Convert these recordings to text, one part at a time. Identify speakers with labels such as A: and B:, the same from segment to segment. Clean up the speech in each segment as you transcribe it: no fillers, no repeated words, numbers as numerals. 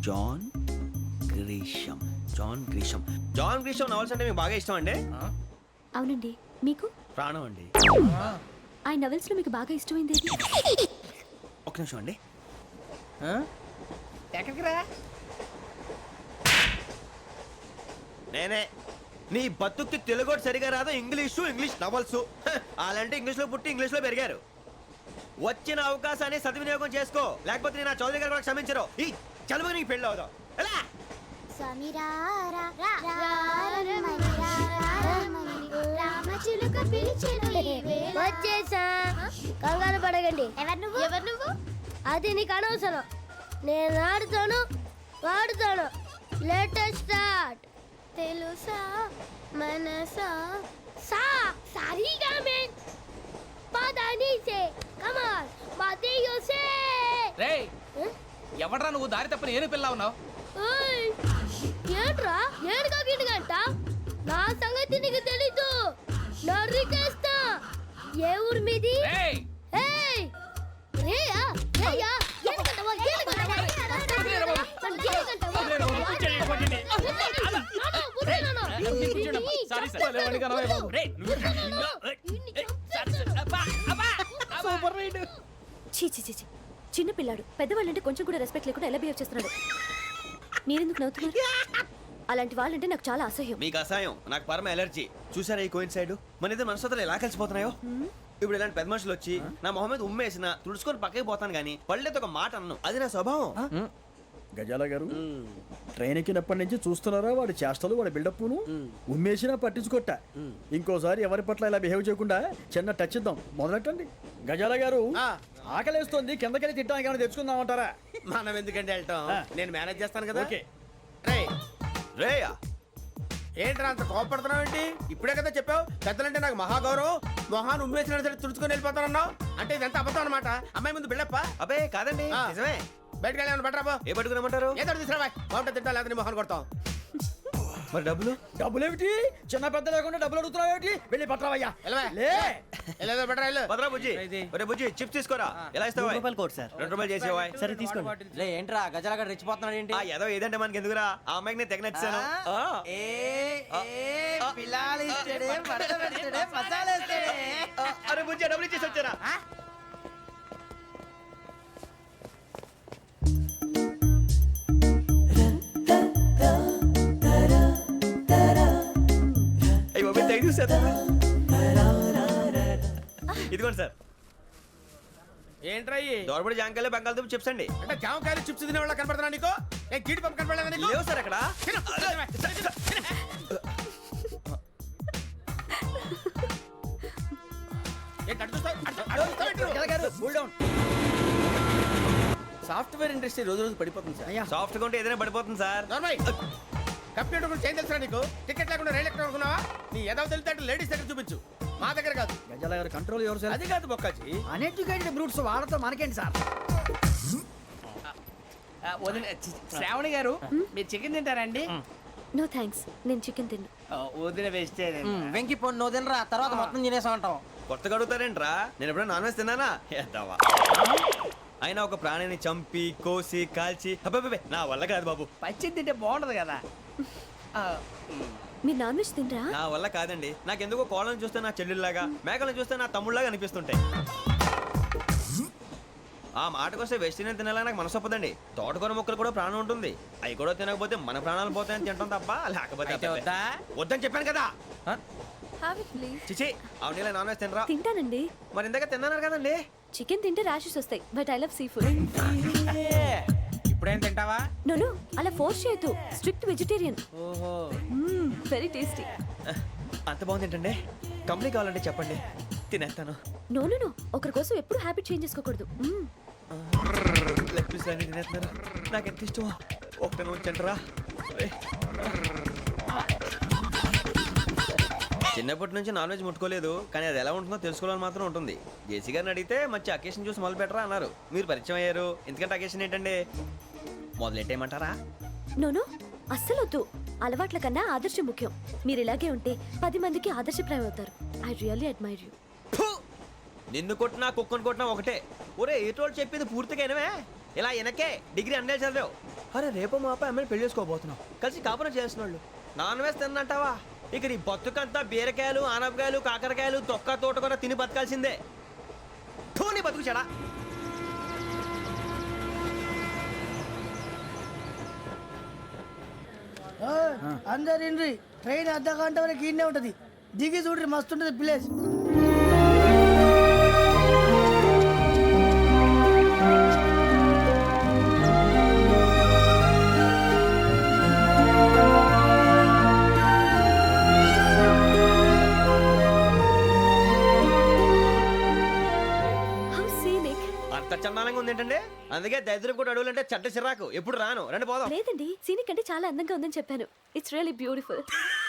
A: John Grisham. John Grisham. John Grisham novels అంటే మీకు బాగా ఇష్టం అండి?
B: అవునండి. మీకు?
A: ప్రాణం అండి.
B: ఆ నవెల్స్ లో మీకు బాగా ఇష్టమైంది ఏది?
A: ఒక నిమిషం అండి.
C: ఎక్కడికి రా?
A: నేనే. నీ బతుక్కి తెలుగు సరిగా రాదు, ఇంగ్లీష్ నవల్స్. అలాంటి ఇంగ్లీష్లో పుట్టి ఇంగ్లీష్లో పెరిగారు. వచ్చిన అవకాశాన్ని సద్వినియోగం చేసుకో, లేకపోతే నేను చౌదరి గారు కూడా క్షమించరు. ఈ చదువు నీకు పెళ్ళి అవుదాం. ఎలా?
D: వచ్చేసా, కంగారు పడగండి. ఎవరు నువ్వు? అది నీకు అనవసరం. నేను ఆడుతాను, వాడుతాను. Latest start. తెలుసా మనసా సా సారీగా మెన్ పదని సే కమాన్ మాదేయో సే.
C: రేయ్, ఎవడ్రా నువ్వు? దారి తప్పని ఏను పిల్ల ఉన్నావు?
D: ఓయ్ ఏంట్రా ఏడుగా గిడుగంట? నా సంగతి నీకు తెలీదు. నరికేస్తా. ఏ ఊరు మీది?
C: రేయ్,
D: ఏయ్ రేయా రేయా ఏడుగంటవా ఏడుగంటవా
B: చీ చీ చీ చీ. చిన్న పిల్లాడు. పెద్దవాళ్ళంటే కొంచెం కూడా రెస్పెక్ట్ లేకుండా ఎలా బిహేవ్ చేస్తున్నాడు. మీరెందుకు నవ్వుతున్నారు? అలాంటి వాళ్ళంటే నాకు చాలా అసహ్యం.
A: మీకు అసహ్యం, నాకు పరమ ఎలర్జీ. చూసారా ఈ కోయిన్సైడ్? మన ఇద్దరు మనస్తత్వాలు ఎలా కలిసిపోతున్నాయో. ఇప్పుడు ఇలాంటి పెద్ద మనుషులు వచ్చి నా మొహం మీద ఉమ్మేసిన తుడుచుకొని పక్కకి పోతాను కానీ పళ్ళేతో ఒక మాట అన్ను. అది నా స్వభావం.
E: గజాల గారు, ట్రైన్ ఎక్కినప్పటి నుంచి చూస్తున్నారా వాడి చేష్టలు, వాడి బిల్డప్ను? ఉమ్మేసినా పట్టించుకోట. ఇంకోసారి ఎవరి పట్ల ఇలా బిహేవ్ చేయకుండా చిన్న టచ్ ఇద్దాం. మొదలెట్టండి. గజాల గారు, ఆకలేస్తుంది, కిందకెళ్ళి తిట్టడానికి ఏమైనా తెచ్చుకుందామంటారా?
F: మనం ఎందుకంటే వెళ్తాం, నేను మేనేజ్ చేస్తాను కదా.
E: ఓకే.
A: రేయా,
F: ఏంట్రా అంత కోపడుతున్నావు ఏంటి? ఇప్పుడే కదా చెప్పావు పెద్దలంటే నాకు మహాగౌరవం, మొహాన్ని ఉమ్మేసిన సరే తుడుచుకొని వెళ్ళిపోతానన్నావు. అంటే ఇదంతా అబద్ధం అనమాట. అమ్మాయి ముందు బిల్డప్ప?
A: అబ్బే కాదండి, నిజమే.
F: బయటకు వెళ్ళి బట్రాబో.
A: ఏ పట్టుకురమ్మంటారు?
F: ఏదో తీసుకురా బాగుంటుంది, తింటా లేదా మొహాన్ని కొడతాం.
A: మరి డబ్బులు?
E: డబ్బులేమిటి? చిన్న పెద్ద లేకుండా డబ్బులు అడుగుతున్నావు ఏమిటి? వెళ్ళి పట్టరావయ్యా.
F: వెళ్ళేదో బట్రా వెళ్ళు.
A: భద్రా బుజ్జి, ఒరే బుజ్జి చిప్స్ తీసుకోరా. ఎలా ఇస్తావా?
G: Court sir.
A: 2 రూపాయలు చేసేవా?
G: సరే తీసుకోండి. లే ఏంట్రా గజాలగా రెచ్చిపోతున్నాడు ఏంటి?
A: ఏదో ఏదంటే మనకి ఎందుకురా, ఆ అమ్మాయికి నేను తెగ నచ్చాను. అరే బుజ్జి, డబ్బులు ఇచ్చేసి వచ్చారా? ఇదిగోండి సార్.
F: ఏంట్రా
A: దోరబడి జాంకాయలు బంగాళదుంప చిప్స్ అండి.
F: అంటే జామకాయలు చిప్స్ తినే వాళ్ళ కనపడుతున్నా నీకు? ఏ గీడి పంపు కనపడలేదా నీకు?
A: లేవు సార్ అక్కడ.
F: సాఫ్ట్వేర్ ఇండస్ట్రీ రోజు రోజు పడిపోతుంది సార్.
A: సాఫ్ట్ గా ఉంటే ఏదైనా పడిపోతుంది సార్.
F: కంప్యూటర్ గురించి ఏం తెలుసా నీకు? టికెట్ లేకుండా రైలు ఎక్కడ అనుకున్నావా? నీ ఏదో తెలితే లేడీస్ దగ్గర చూపించు, మా దగ్గర కాదు.
E: గజాల గారు కంట్రోల్ ఎవరు సార్?
F: అది కాదు బొక్కాజీ.
E: అన్ఎడ్యుకేటెడ్ బ్రూట్స్ వాళ్ళతో మనకేంటి సార్?
C: శ్రావణి గారు, మీరు చికెన్ తింటారండి?
B: నో థ్యాంక్స్, నేను చికెన్ తిన్నా.
C: వదిన వేస్తే
G: వెంకి పొన్ను నువ్వు తినరా, తర్వాత మొత్తం తినేసా ఉంటాం.
A: కొత్తగా అడుగుతారేంట్రా? నేను ఎప్పుడైనా నాన్ వెజ్ తిన్నానా? ఎద్దావా. అయినా ఒక ప్రాణిని చంపి కోసి కాల్చి అబ్బే నా వల్ల కాదు బాబు.
C: పచ్చి తింటే బాగుంటది కదా.
B: మీరు నాన్ వెజ్ తినరా?
A: నా వల్ల కాదండి. నాకెందుకో కోళ్ళని చూస్తే నా చెల్లెళ్ళలాగా, మేకలను చూస్తే నా తమ్ముళ్ళలాగా అనిపిస్తుంటాయి. ఆ మాటకొస్తే వెస్టిరియన్ తినాలని నాకు మనసు ఒప్పదండి. తోటకూర మొక్కలు కూడా ప్రాణం ఉంటుంది. అవి కూడా తినకపోతే మన ప్రాణాలు పోతాయని తింటాం తప్ప, లేకపోతే వద్దని చెప్పాను కదా. చిచి, అవునీ నాన్ వెజ్ తినరా?
B: తింటానండి.
A: మరి ఇందాక తిన్నాను కదండి.
B: చికెన్ తింటే ర్యాషెస్ వస్తాయి, but I love seafood.
C: ఇప్పుడేం తింటావా?
B: నో అలా ఫోర్స్ చేయొద్దు. Strict vegetarian.
C: ఓహో,
B: వెరీ టేస్టీ.
A: అంత బాగుంది ఏంటండి? కంప్లీట్ కావాలంటే చెప్పండి, తినేస్తాను.
B: నో ఒకరి కోసం ఎప్పుడు హ్యాబిట్ చేంజ్ చేసుకోకూడదు.
A: లెగ్ పీస్ అన్ని తినేస్తున్నారు. నాకు ఎంత ఇష్టమో. ఒక్క ఉంచండిరా. చిన్నప్పటి నుంచి నాన్ వెజ్ ముట్టుకోలేదు, కానీ అది ఎలా ఉంటుందో తెలుసుకోవాలని మాత్రం ఉంటుంది. జేసీ గారిని అడిగితే మంచి అకేషన్ చూసి మొదలు పెట్టరా అన్నారు. మీరు పరిచయం అయ్యారు, ఎందుకంటే అకేషన్ ఏంటండి? మొదలెట్టేయమంటారా?
B: నో అస్సలు వద్దు. అలవాట్ల కన్నా ఆదర్శం ముఖ్యం. మీరు ఇలాగే ఉంటే 10 మందికి ఆదర్శప్రాయం అవుతారు. I really admire you.
A: నిన్ను కొట్టినా కుక్కను కొట్టినా ఒకటే. ఒరే ఏటోళ్ళు చెప్పింది పూర్తిగా వినవే. ఇలా వెనకే డిగ్రీ అన్నే చదివావు. అరే రేపు మా అబ్బాయి అమ్మని పెళ్లి చేసుకోబోతున్నాం కలిసి కాపురం చేస్తున్నాళ్ళు నాన్ వేసి తిన్నంటావా ఇక నీ బతుకంతా బీరకాయలు ఆనపకాయలు కాకరకాయలు తొక్క తోట కూడా తిని బతకాల్సిందే నీ బతుకు చెడా
H: అందరు ఇండ్రి ట్రైన్ అర్ధ గంట వరకు ఇన్నే ఉంటది దిగి చూడ్రి మస్తు ఉంటది ప్లేస్
B: హౌ సీనిక్.
A: అంత చందానంగా ఉంది ఏంటంటే అందుకే దరిద్రం కూడా అడవులంటే చెడ్డ చిరాకు ఎప్పుడు రాను రండి పోదాం
B: లేదండి సీనిక్ అంటే చాలా అందంగా ఉందని చెప్పాను. It's really beautiful.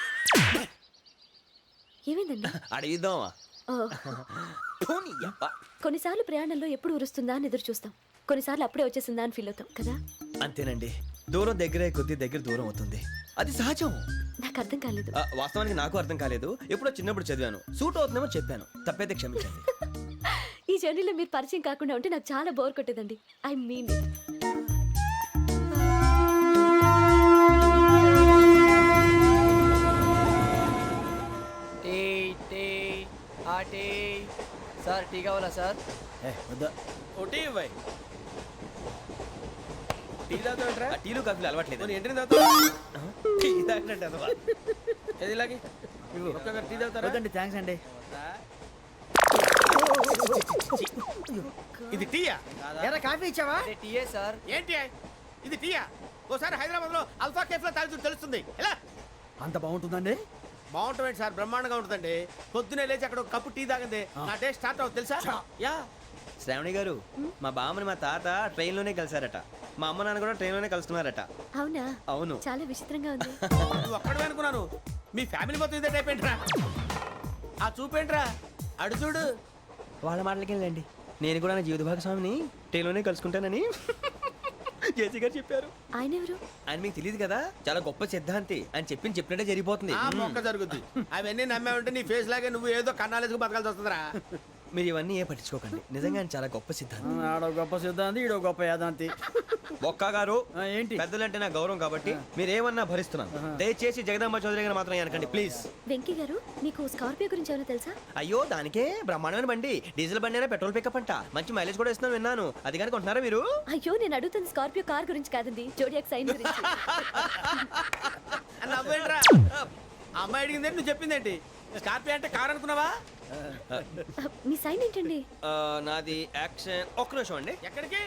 B: ఏమైందండి?
A: అడిగిద్దామా
B: ఓ, కొన్నిసార్లు ప్రయాణంలో ఎప్పుడు ఉరుస్తుందా అని ఎదురు చూస్తాం, కొన్నిసార్లు అప్పుడే వచ్చేసిందా అని ఫీల్ అవుతాం కదా.
A: అంతేనండి దూరం దగ్గరే కొద్ది దగ్గర దూరం అవుతుంది అది సహజం
B: నాకు అర్థం కాలేదు.
A: వాస్తవానికి నాకు అర్థం కాలేదు ఎప్పుడో చిన్నప్పుడు చదివాను సూట్ అవుతుందేమో చెప్పాను తప్పైతే క్షమించండి
B: ఈ జర్నీలో మీరు పరిచయం కాకుండా ఉంటే నాకు చాలా బోర్ కొట్టేదండి. I mean it.
G: Tea tea ఆ టీ సార్ టీ కావాలా సార్?
E: వద్దా
F: ఒకటి ఇవ్వాయి టీ తాగుతాంట్రా
A: టీలు కాఫీలు అలవాట్లేదు
F: ఏంటి తాగుతావు
A: టీ తాగినట్టు అదవా.
F: ఏది ఇలాగే ఒక్కొక్కరు టీ తాగుతారా
E: వద్దండి థ్యాంక్స్ అండి.
F: ఇది టీయా
H: ఎరా కాఫీ ఇచ్చావా?
G: టీయే సార్.
F: ఏంటి ఇది టీయా ఓసారి హైదరాబాద్ లో అల్ఫా కేఫ్ లో తాగుతూ తెలుస్తుంది ఎలా
E: అంత బాగుంటుందండి?
F: బాగుంటుంది సార్ బ్రహ్మాండంగా ఉంటుందండి పొద్దునే లేచి అక్కడ ఒక కప్పు టీ తాగింది నా డే స్టార్ట్ అవుతుంది తెలుసా యా
A: శ్రావణి గారు మా బామ్మని మా తాత ట్రైన్ లోనే కలిసారట మా అమ్మ నాన్న కూడా ట్రైన్ లోనే కలుస్తున్నారట.
B: అవునా?
A: అవును.
B: చాలా విచిత్రంగా ఉంది.
F: నువ్వు ఒక్కడే అనుకున్నాను మీ ఫ్యామిలీ మొత్తం ఇదే టైప్ ఏంట్రా ఆ చూపేంట్రా అడు చూడు
A: వాళ్ళ మాటలకి వెళ్ళండి నేను కూడా నా జీవిత భాగస్వామిని ట్రైన్ లోనే కలుసుకుంటానని జేసీ గారు చెప్పారు.
B: ఆయన ఎవరు?
A: ఆయన మీకు తెలియదు కదా చాలా గొప్ప సిద్ధాంతి అని చెప్పినట్టే జరిగిపోతుంది.
F: ఆ మొక్క జరుగుద్ది అవన్నీ నమ్మావంటే నీ ఫేస్ లాగే నువ్వు ఏదో కన్నాలేసుకు బతకాల్సి వస్తుందిరా
A: మీరు ఇవన్నీ ఏ పట్టించుకోకండి నిజంగా ఆయన చాలా గొప్ప సిద్ధాంతి.
E: ఆడో గొప్ప సిద్ధాంతి ఈడో గొప్ప యాదాంతి.
A: బొక్క గారు
E: ఏంటి?
A: పెద్దలంటే నా గౌరవం కాబట్టి మీరేమన్నా భరిస్తున్నాను. దయచేసి జగదాంబ చౌదరి గారు మాత్రం అనకండి ప్లీజ్.
B: వెంకీ గారు మీకు స్కార్పియో గురించి ఏమైనా తెలుసా?
A: అయ్యో దానికే బ్రహ్మాండమైన బండి డీజిల్ బండి అయినా పెట్రోల్ పికప్ అంట మంచి మైలేజ్ కూడా ఇస్తున్నాను విన్నాను. అది కానీ కొంటున్నారా మీరు?
B: అయ్యో నేను అడుగుతుంది స్కార్పియో కార్ గురించి కాదండి, జోడియాక్ సైన్ గురించి.
F: నవ్వేంట్రా అమ్మాయి అడిగిందేంటి నువ్వు చెప్పిందేంటి స్కార్పియో అంటే కార్ అనుకున్నావా
B: మీ సైన్ ఏంటండి?
A: నాది యాక్షన్ ఒక్క నిమిషం అండి.
F: ఎక్కడికి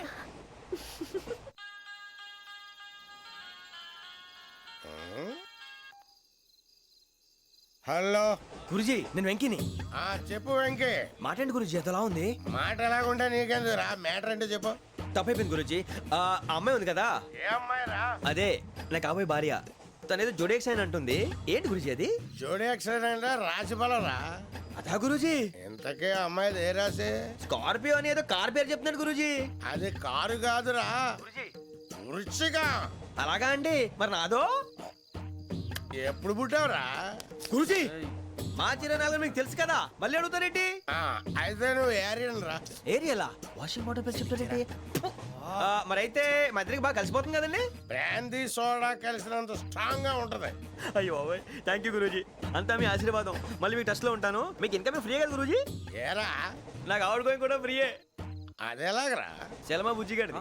I: హలో
A: గురుజీ నేను వెంకీని.
I: చెప్పు వెంకీ
A: మాటండి గురుజీ ఎంతలా ఉంది?
I: మాట ఎలాగుంటా నీకెందుకు రా మ్యాటర్ అంటే చెప్పు
A: తప్పైపోయింది గురుజీ. ఆ అమ్మాయి ఉంది కదా
I: ఏ అమ్మాయి రా
A: అదే నా కాబోయే భార్య తనేదో జోడేక్స్ అని అంటుంది. ఏంటి గురుజీ అది?
I: జోడి యాక్సిడెంట్ రాసి బలరా
A: అదా గురుజీ
I: ఇంతకే అమ్మాయిది ఏ రాసి
A: స్కార్పియో అని ఏదో కార్ పేరు చెప్తున్నాడు గురుజీ.
I: అది కారు కాదురా వృచ్చిక
A: అలాగా అండి మరి నాదో?
I: ఎప్పుడు పుట్టావురా
A: గురుజీ మా చిరనాలు మీకు తెలుసు కదా మళ్ళీ అడుగుతారేంటి?
I: అయితే నువ్వు ఏరియన్ రా
A: ఏరియలా వాషింగ్ వాటర్ పేరు చెప్తారేంటి? మరైతే మా ఇద్దరికి బాగా కలిసిపోతుంది కదండి.
I: బ్రాందీ సోడా కలిసినంత స్ట్రాంగ్ గా ఉంటది
A: అయ్యో థ్యాంక్ యూ గురూజీ అంతా మీ ఆశీర్వాదం. మళ్ళీ మీ టచ్ లో ఉంటాను. మీకు ఇంకా ఫ్రీ కదా గురూజీ?
I: ఏరా
A: నాకు ఆవిడ గోయింగ్ కూడా ఫ్రీయే.
I: అదేలాగరా
A: చలమా బుజ్జి గారిది.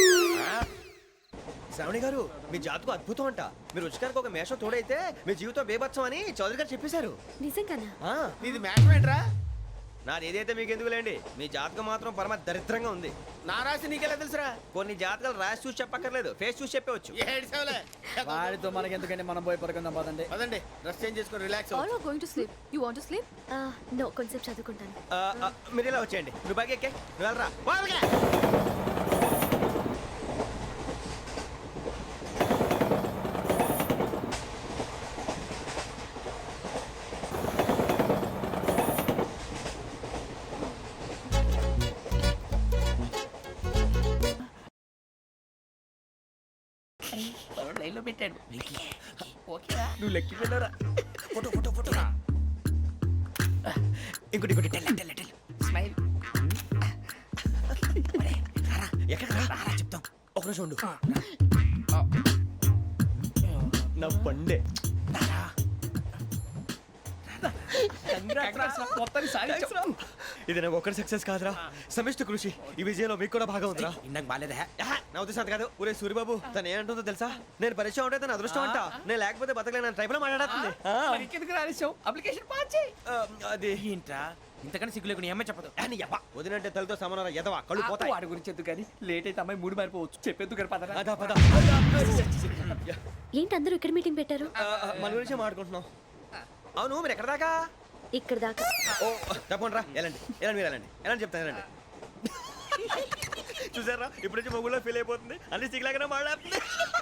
A: శ్రావణి గారు మీ జాతకు అద్భుతం అంట. మీరు రుచికారికి ఒక మేషం తోడైతే మీ జీవితం బేబత్సం అని చౌదరి గారు చెప్పేశారు.
B: నిజంగానా?
F: నీది మ్యాటర్ ఏంట్రా
A: నాది ఏదైతే మీకు ఎందుకులేండి మీ జాతకం మాత్రం పరమ దరిద్రంగా ఉంది.
F: నా రాసి నీకెలా తెలుసురా
A: కొన్ని జాతకాలు రాసి చూసి చెప్పక్కర్లేదు ఫేస్ చూసి చెప్పవచ్చు.
F: ఏడ్చావులే
E: వాడితో మనకి ఎందుకండి, మనం పోయి పడుకుందాం పదండి.
F: పదండి డ్రెస్ చేంజ్ చేసుకొని relax
J: All are going to sleep. You want to sleep?
B: No, కొంచెం చదువుకుంటాను.
A: మీరు ఇలా వచ్చేయండి. నువ్వు బాగా ఎక్కే నువ్వు వెళ్ళరా.
C: లైన్లో పెట్టాడు.
A: నువ్వు లెక్కి వెళ్ళరా. ఫోటో ఫోటో ఫోటో ఇంకోటి ఇంకోటి టెల్ టెల్ టెల్
C: స్మైల్.
A: ఎక్కడ రా చెప్తాం. ఒక నిమిషం ఉండు. నా పండే.
C: మొత్తాన్ని సాధించాం.
A: ఇది నాకు ఒక్కడి సక్సెస్ కాదురా, సమిష్టి కృషి. ఈ విజయంలో మీకు కూడా భాగం ఉందిరా.
F: ఇందాక బాగాలేదా?
A: నా ఉద్దేశం అంత కాదు. ఊరే సూరిబాబు తను ఏమంటుందో తెలుసా? నేను పరిచయం ఉంటే తన అదృష్టం అంట, నేను లేకపోతే బతకలేను టైప్ లో మాట్లాడుతుంది.
C: ఎందుకు రాలేసావు? అప్లికేషన్ పాస్ చేయి.
A: అది
F: ఏంట్రా ఇంతకన్నా సిగ్గు లేకుండా ఏమై చెప్పదు.
A: వదినంటే తలతో సమానం ఎదవా, కళ్ళు పోతాయి.
C: వాడి గురించి ఎందుకు కానీ లేట్ అయితే అమ్మాయి మూడు మారిపోవచ్చు. చెప్పేందుకు కానీ పదరా.
A: అదా పద.
B: ఏంటి అందరూ ఇక్కడ మీటింగ్ పెట్టారు?
A: మన గురించి మాట్లాడుకుంటున్నాం. అవును మీరు ఎక్కడ దాకా?
B: ఇక్కడ దాకా.
A: ఓ తప్పకుండా రా, వెళ్ళండి వెళ్ళండి, మీరు వెళ్ళండి వెళ్ళండి, చెప్తాను వెళ్ళండి. చూసారా ఇప్పుడు నుంచి మొగుల్లో ఫీల్ అయిపోతుంది, అన్ని సిగ్లాగానే మాట్లాడుతుంది.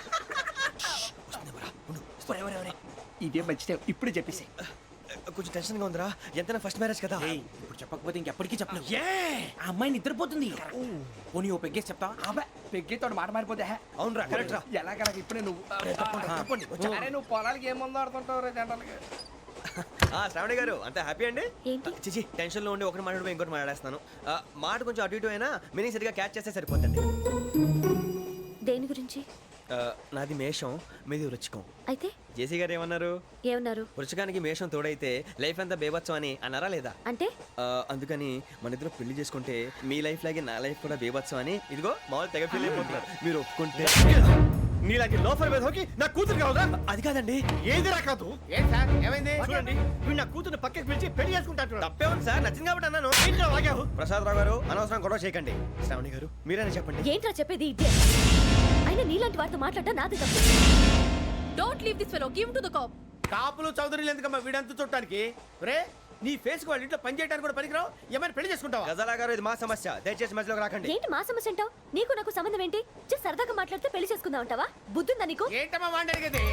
C: ఇదే మంచి టైం, ఇప్పుడే చెప్పేసి.
A: కొంచెం టెన్షన్ గా ఉందిరా, ఎంతైనా ఫస్ట్ మ్యారేజ్ కదా.
F: ఇప్పుడు చెప్పకపోతే ఇంకెప్పటికీ చెప్పలేవు. ఆ అమ్మాయి నిద్రపోతుంది. పోనీ ఓ పెగ్గేసి చెప్తావా?
C: అబ్బా పెగ్గేతో మాట మారిపోతే
A: అవునురా కరెక్ట్ రా.
C: ఎలాగలా ఇప్పుడే నువ్వు అరే నువ్వు పొలాలకి ఏం ముందు ఆడుతుంటావు రే జనరల్గా.
A: శ్రావణి గారు అంత హ్యాపీ అండి?
B: ఏంటి?
A: చిచి టెన్షన్ లో ఉండి ఒకటి మాట్లాడిపోయి ఇంకోటి మాట్లాడేస్తున్నాను. మాట కొంచెం అటు ఇటు అయినా మీనింగ్ సరిగా క్యాచ్ చేస్తే సరిపోతుంది.
B: దేని గురించి?
A: నాది మేషం, మీది వృచ్చికం.
B: అయితే
A: జేసీ గారు ఏమన్నారు?
B: ఏమన్నారు?
A: వృచ్చికానికి మేషం తోడైతే లైఫ్ అంతా బేబత్సం అని అన్నారా లేదా?
B: అంటే
A: అందుకని మన ఇద్దరు పెళ్లి చేసుకుంటే మీ లైఫ్ లాగే నా లైఫ్ కూడా బేబత్సం అని ఇదిగో మామూలు తెగ ఫీల్ అయిపోతున్నారు. మీరు ఒప్పుకుంటే నీలాంటి లోఫర్ మీద హోకి నా కూతురు కావదా? అది కాదండి.
F: ఏది రాకాదు. ఏం సార్ ఏమైంది?
A: చూడండి వీడు నా కూతురు పక్కకి పిలిచి పెళ్లి చేసుకుంటాడు. తప్పే ఉంది సార్, నచ్చింది కాబట్టి అన్నాను. ప్రసాద్ రావు గారు అనవసరం గొడవ చేయకండి. శ్రావణి గారు మీరైనా చెప్పండి.
B: ఏంట్రా చెప్పేది? ఇదే అయినా నీలాంటి వారితో మాట్లాడటం నాది తప్పు.
J: Don't leave this fellow. Give him to the cop.
F: కాపులు చౌదరులు ఎందుకమ్మా వీడంతా చూడటానికి? రే నీ ఫేస్ వాళ్ళ ఇంట్లో పని చేయడానికి కూడా పనికిరావు. ఏమైనా పెళ్లి చేసుకుంటావా?
A: గజాలా గారు ఇది మా సమస్య, దయచేసి మధ్యలోకి రాకండి.
B: ఏంటి మా సమస్య అంటావు? నీకు నాకు సంబంధం ఏంటి? జస్ట్ సరదాగా మాట్లాడితే పెళ్లి చేసుకుందాం అంటావా? బుద్ధుందా నీకు?
F: ఏంటమ్మా వాడిని అడిగేది?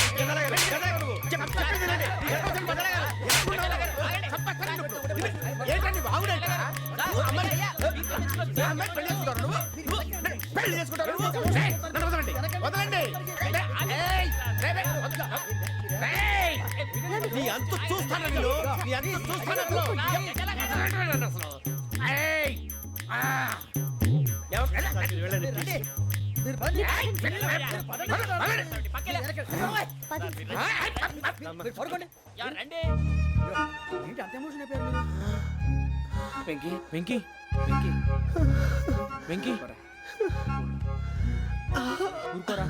F: ఏంటండి బాగుండంట పెళ్లి చేసుకుంటారు. వదలండి. నీ అంత చూస్తాను నేను, నీ అంత చూస్తాను అసలు. వెంకీ వెంకీ వెంకీ వెంకీ ఊరుకోరా.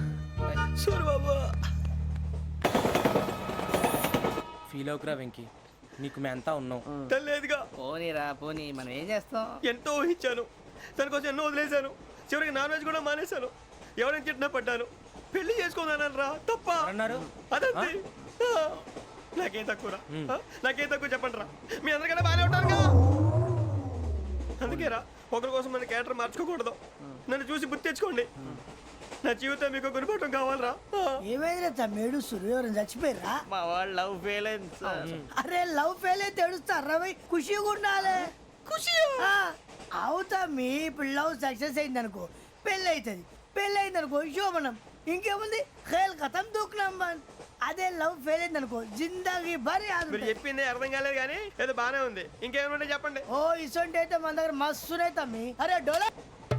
F: ఫీల్ అవుకురా వెంకీ, నీకు మేమంతా ఉన్నాం.
A: తెలియదుగా.
G: పోనీరా పోనీ, మనం ఏం చేస్తాం?
A: ఎంతో ఊహించాను, తన కోసం ఎన్నో వదిలేశాను, చివరికి నాన్ వెజ్ కూడా మానేశాను. ఎవరైనా తిట్టినా పడ్డాను. పెళ్లి చేసుకున్నాను రా, తప్ప
F: అన్నారు.
A: అదంతే. నాకేం తక్కువరా? నాకేం తక్కువ చెప్పండి రా. మీ అందరికన్నా బాగానే ఉంటారుగా. అందుకేరా ఒకరి కోసం మన క్యారెక్టర్ మార్చుకోకూడదు. నన్ను చూసి గుర్తు తెచ్చుకోండి. నా జీవితం మీకు గురిపటం కావాలరా.
H: ఏమైందిరా తమ్మేడు సూర్యవరం చచ్చిపోయిరా?
G: మా వాళ్ళు లవ్ ఫెయిల్ అయింది సార్.
H: అరే లవ్ ఫెయిల్ అయితే ఏడుస్తారా? ఖుషిగా ఉండాలి. ఖుషి అవుతా. మీ ఇప్పుడు లవ్ సక్సెస్ అయింది అనుకో పెళ్ళి అవుతుంది. పెళ్ళి అయింది అనుకో శోభనం. ఇంకేముంది ఖేల్ కథం దూకునాం బాన్. అదే లవ్ ఫెయిల్ అయింది అనుకో జిందాగీ భారీ.
A: మీరు చెప్పింది అర్థం కాలేదు కానీ ఏదో బానే ఉంది. ఇంకేమంటే చెప్పండి.
H: ఓ ఇసొంటి అయితే మన దగ్గర మస్తునే తమ్మి. అరే డోలా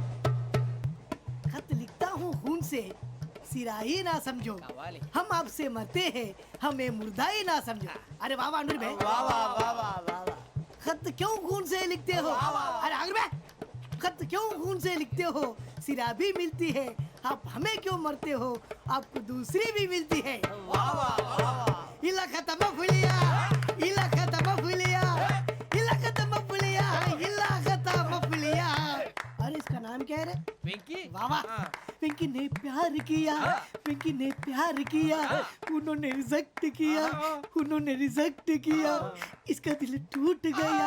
H: खत लिखता हूँ खून से सिरा ही ना समझो, हम आपसे मरते हैं हमें मुर्दा ही ना समझो. अरे वाह वाह अनुर भाई, वाह वाह वाह वाह वाह. खत क्यों खून से लिखते हो? अरे अनुर भाई खत क्यों खून से लिखते हो? सिरा भी मिलती है, आप हमें क्यों मरते हो? आपको दूसरी भी मिलती है. वाह वाह वाह. इला खत्म फुलिया, इला खत्म फुलिया, इला खत्म फुलिया, इला खत्म फुलिया. अरे इसका नाम क्या है रे?
C: వెంకీ
H: वाह पिंकी ने प्यार किया, पिंकी ने प्यार किया, उन्होंने रिजेक्ट किया, उन्होंने रिजेक्ट किया, इसका दिल टूट गया.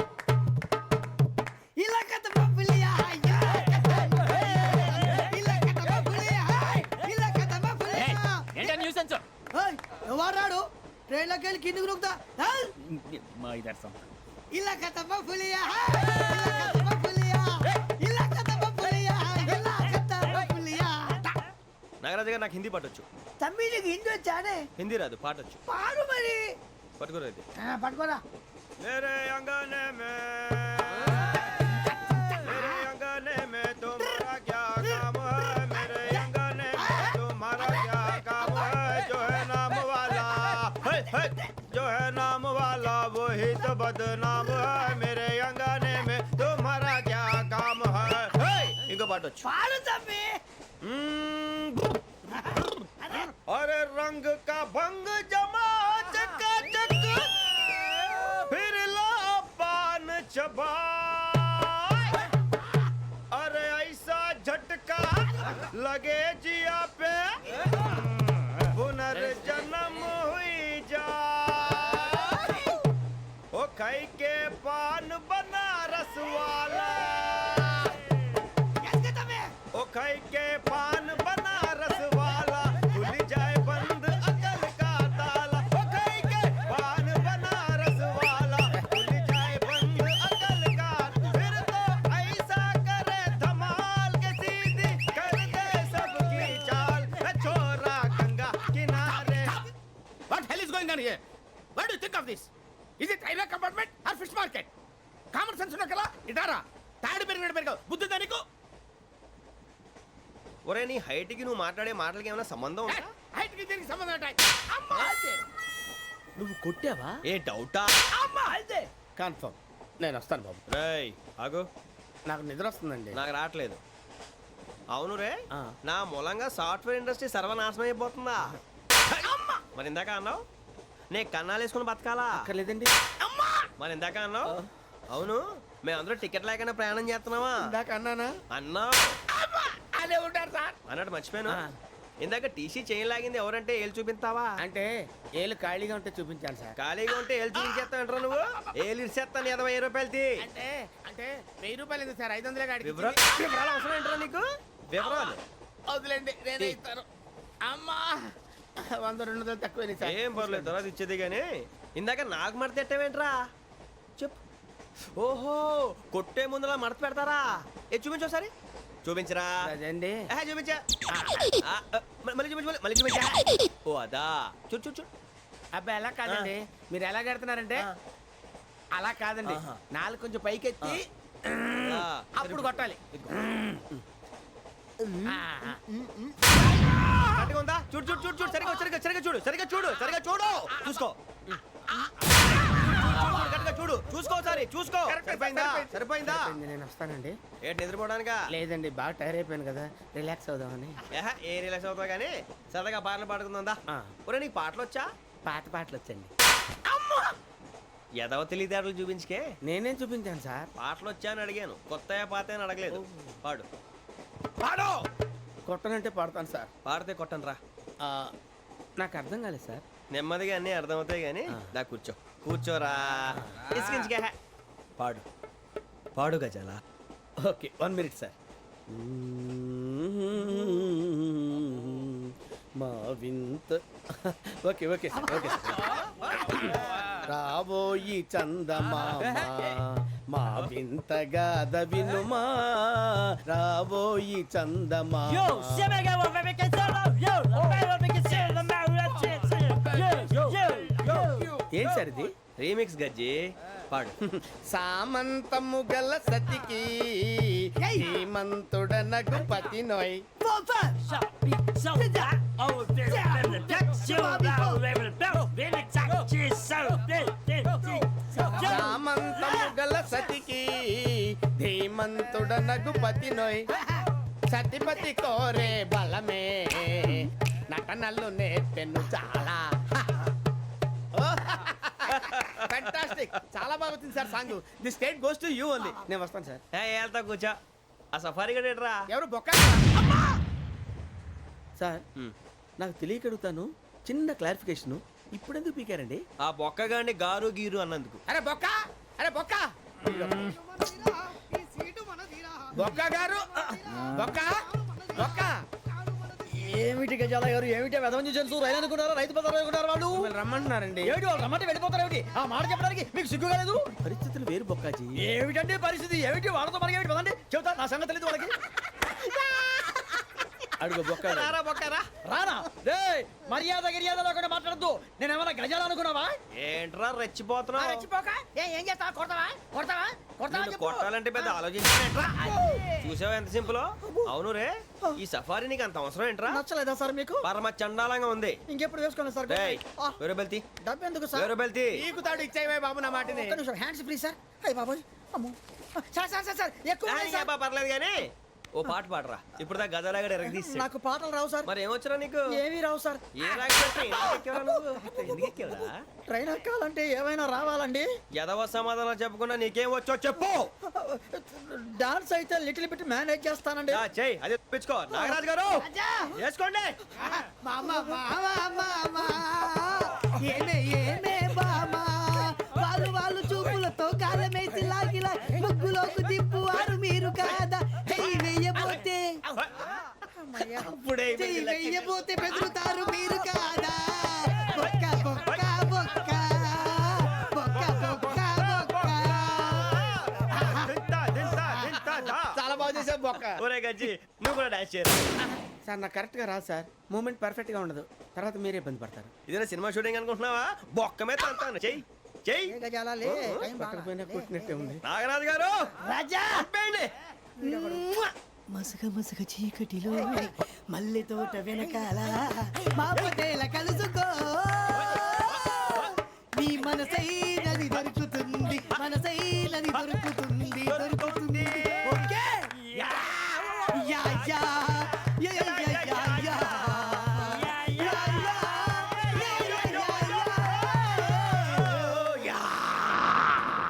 H: इलाका तो बबलिया है, इलाका तो बबलिया है, इलाका तो बबलिया.
C: ఏంటా న్యూసెన్స్?
H: ओए ఎవరాడు ట్రైన్ లోకి వెళ్ళి కిందికి రుకుతా?
C: మా ఇదర్సం
H: इलाका तो बबलिया है, इलाका तो बबलिया, इलाका तो बबलिया, इलाका तो बबलिया.
A: నాగరాజు గారు నాకు హిందీ పాటొచ్చు.
H: తమ్మి నీకు హిందీ వచ్చానే?
A: హిందీ రాదు, పాటొచ్చు.
H: పాడు మరి.
A: పట్టుకోలేదు.
H: పట్టుకోరా.
A: मेरे अंगने में तुम्हारा क्या काम है? मेरे अंगने में तुम्हारा क्या काम है? जो है जो है नाम वाला वही तो बदनाम है मेरे अंगने में तुम्हारा क्या काम है ఇంకో పాట వచ్చు
H: పాడు తమ్మి
A: अरे रंग का भंग जमा चकाचक फिर ला पान चबा अरे ऐसा झटका लगे जिया पे पुनर्जन्म हुई जा ओ खाई के पान बनारस वाला ओ खाई के पान बनारस वाला खुल जाए बंद अकल का ताला ओ खाई के पान बनारस वाला खुल जाए बंद अकल का फिर तो ऐसा करे धमाल के सीधी कर दे सबकी चाल छोरा गंगा किनारे
F: What hell is going on here? What do you think of this? Is it railway compartment or fish market? Common sense ఉన్న కదా ఇటారా తాడు పెరిగినట్టు పెరగవు బుద్ధి దానికి
A: ఒరే నీ హైట్ కి నువ్వు మాట్లాడే మాటలకి ఏమైనా సంబంధం ఉందా
F: హైట్ కి దీనికి సంబంధం ఉంటాయి అమ్మా అదే నువ్వు కొట్టావా
A: ఏ డౌటా
F: అమ్మా అదే కన్ఫర్మ్ నేను వస్తాను బాబు
A: రేయ్ ఆగు
F: నాకు నిద్ర వస్తుందండి
A: నాకు రావట్లేదు అవును రే
F: ఆ.
A: నా మూలంగా సాఫ్ట్వేర్ ఇండస్ట్రీ సర్వనాశనం అయిపోతుందా మరి ఇందాక అన్నావు నే కన్నాలు వేసుకుని బతకాలా
F: అక్కర్లేదండి
A: మరి ఇందాక అన్నావు అవును మేమందరూ టికెట్ లేకుండా ప్రయాణం చేస్తున్నావా
F: ఇందాక అన్నానా
A: అన్నావు
F: అదే ఉంటారు సార్
A: అన్నట్టు మర్చిపోయాను
F: ఆ.
A: ఇందాక టీసీ చేయి లాగింది ఎవరంటే ఏళ్ళు చూపిస్తావా
F: అంటే ఏళ్ళు ఖాళీగా ఉంటే చూపించాను సార్
A: ఖాళీగా ఉంటే ఏళ్ళు చూపించేస్తానంటారా నువ్వు ఏళ్ళు ఇచ్చేస్తాను 20 రూపాయలది
F: అంటే అంటే 1000 రూపాయలు ఎందుకు సార్ 500 గాడికి
A: వివరాలు అవసరం ఏంటరా నీకు వివరాలు
F: వదిలేండి నేనే ఇస్తాను అమ్మా 100-200 తక్కువ సార్
A: ఏం పర్లేదు తర్వాత ఇచ్చేది కానీ ఇందాక నాకు మడత ఎట్టవేంట్రా చెప్పు ఓహో కొట్టే ముందులా మడత పెడతారా ఏ చూపించు ఒకసారి చూపించరా
F: అదండి
A: చూపించా మళ్ళీ చూపించు మళ్ళీ చూపించా ఓ అదా చూడు చూడు చూడు
F: అబ్బాయి ఎలా కాదండి మీరు ఎలా కడుతున్నారంటే
A: ఆ.
F: అలా కాదండి
A: ఆహా.
F: నాలుగు కొంచెం పైకెత్తి
A: ఆ,
F: అప్పుడు కొట్టాలి ఆ, ఆ.
A: కరెక్ట్గా ఉందా చూడు చూడు చూడు చూడు సరిగా సరిగా సరిగా చూడు సరిగా చూడు సరిగా చూడు చూసుకో కరెక్ట్గా చూడు చూసుకో ఒకసారి చూసుకో
F: కరెక్ట్,
A: సరిపోయిందా
F: సరిపోయింది.
A: సరిపోయిందా
F: సరిపోయింది, నేను వస్తానండి
A: ఏంటి నిద్రపోవడానికా
F: లేదండి బాగా టైర్ అయిపోయాను కదా రిలాక్స్ అవుదామని
A: ఏ రిలాక్స్ అవుతావు కానీ సరదాగా పాటలు పాడుకుందా
F: ఆ.
A: ఒరే నీకు పాటలు వచ్చా
F: పాత పాటలు వచ్చండి
A: ఎదవ తెలివితేటలు చూపించుకే
F: నేనేం చూపించాను సార్
A: పాటలు వచ్చా అని అడిగాను కొత్త పాత అని అడగలేదు పాడు
F: పాడు కొట్టనంటే పాడతాను సార్
A: పాడితే కొట్టను రా
F: ఆ, నాకు అర్థం కాలేదు సార్
A: నెమ్మదిగా అన్నీ అర్థమవుతాయి కానీ దా కూర్చో కూర్చోరా ఇసుకించుకే పాడు పాడు గజాల
F: ఓకే 1 మినిట్ సార్ మా వింత ఓకే ఓకే సార్ ఓకే రాబోయి చందమామ మా వింతగా వినుమా రాబోయి చందమామ ఏం సార్ ఇది
A: రీమిక్స్ గజ్జి పాడు
F: సామంతము గల సతికి హేమంతుడనగు పతి నోయ్ సామంతము గల సతికి ధీమంతుడనగు పతి నోయ్ సతిపతి కోరే బలమే నటనలు నేర్పెను చాలా ఫ్యాంటాస్టిక్ చాలా బాగా వచ్చింది sir song the state goes to you only నేను వస్తాను సార్
A: వెళ్తా కూర్చో ఆ సఫారీ గడేట్రా
F: ఎవరు బొక్క సార్ నాకు తెలియక అడుగుతాను చిన్న క్లారిఫికేషన్ ఇప్పుడు ఎందుకు పీకారండి
A: ఆ బొక్కగాండి గారు గీరు అన్నందుకు
F: అరే బొక్క అరే బొక్క బొక్క గారు బొక్క బొక్క
E: ఏమిటి గజాల గారు ఏమిటి వెదవం చూసాను రైలు అనుకున్నారా రైతు బజార్ అనుకున్నారు వాళ్ళు
F: మిమ్మల్ని రమ్మంటున్నారండి
E: ఏమిటి వాళ్ళు రమ్మంటే వెళ్ళిపోతారు ఏమిటి ఆ మాట చెప్పడానికి మీకు సిగ్గు కాలేదు
F: పరిస్థితులు వేరు బొక్కాజీ
E: ఏమిటండి పరిస్థితి ఏమిటి వాళ్ళతో మనకి ఏమిటి పదండి చెబుతా నా సంగతి తెలియదు వాళ్ళకి అడుగు బొక్క
A: రారా బొక్కరా.
E: రానా రే మర్యాద గిర్యాద లేకుండా మాట్లాడద్దు నేను ఏమైనా గజాలు అనుకున్నావా
A: ఏంట్రా రెచ్చిపోతున్నావు?
H: ఏం చేస్తా కొడతావా కొడతావా
A: నిన్ను కొట్టాలంటే పెద్ద ఆలోచించానేంట్రా? చూసావా ఎంత సింపుల్. అవును రే, ఈ సఫారీ నీకు అంత అవసరం ఏంట్రా?
E: నచ్చలేదా సార్ మీకు
A: పరమ చండాలంగా ఉంది.
E: ఇంకెప్పుడు వేసుకోండి సార్
A: డేయ్, వేరే బెల్తి,
E: డబ్బు ఎందుకు సార్
A: వేరే బెల్తి.
F: నీకు తాడు ఇచ్చాయి బాబు నా మాటని.
E: ఒక్క నిమిషం హ్యాండ్స్ ఫ్రీ సార్ అయ్యి బాబోయ్ అమ్మో సార్ సార్ సార్ సార్ ఎక్కువ ఉన్నాయి సార్.
A: పర్లేదు కానీ ఓ పాట పాడరా. ఇప్పుడు దా గదలాగడ ఎరగదీసి.
E: నాకు పాటలు రావు సార్
A: మరి ఏమొచ్చరా నీకు?
E: ఏమీ రావు సార్
A: ఏ రాకపోతే ఎందుకు ఎక్కేవరా నువ్వు? ఎందుకు ఎక్కేవరా?
E: ట్రైన్ ఎక్కాలంటే ఏమైనా రావాలండి
A: ఎదవ సమాధానం చెప్పకుండా నీకేం వచ్చో చెప్పు.
E: డాన్స్ అయితే లిటిల్ బిట్ మేనేజ్ చేస్తానండి
A: చెయ్యి, అదే తెప్పించుకో. నాగరాజు గారు వేసుకోండి.
H: మామా మామా మామా ఏమే ఏమే బామా వాళ్ళు వాళ్ళు చూపులతో కాలమేసి లాగిలా ముగ్గులోకి తిప్పువారు మీరు కాదా చెయ్యి వెయ్యబోతే
A: అప్పుడే
H: చెయ్యి వెయ్యబోతే బెదురుతారు మీరు కాదా బొక్క బొక్క బొక్క బొక్క బొక్క బొక్క
F: చాలా బాగా చేసావు బొక్క.
A: ఒరే గజ్జి, నువ్వు కూడా డాన్స్ చేయరు.
F: సార్ నాకు కరెక్ట్ గా రాదు సార్. మూమెంట్ పర్ఫెక్ట్ గా ఉండదు, తర్వాత మీరే ఇబ్బంది పడతారు.
A: ఇదేనా సినిమా షూటింగ్ అనుకుంటున్నావా? బొక్క మీద అంటాను. చెయ్యి చెయ్యి.
F: పక్కన పోయినా కొట్టినట్టే ఉంది.
A: నాగరాజు గారు
H: రాజా
A: ఆపేయండి.
H: మసక మసక చీకటిలో మల్లె తోట వెనకాల మా పటేల కలుసుకో నీ మనసైనది దొరుకుతుంది మనసైనది దొరుకుతుంది దొరుకుతుంది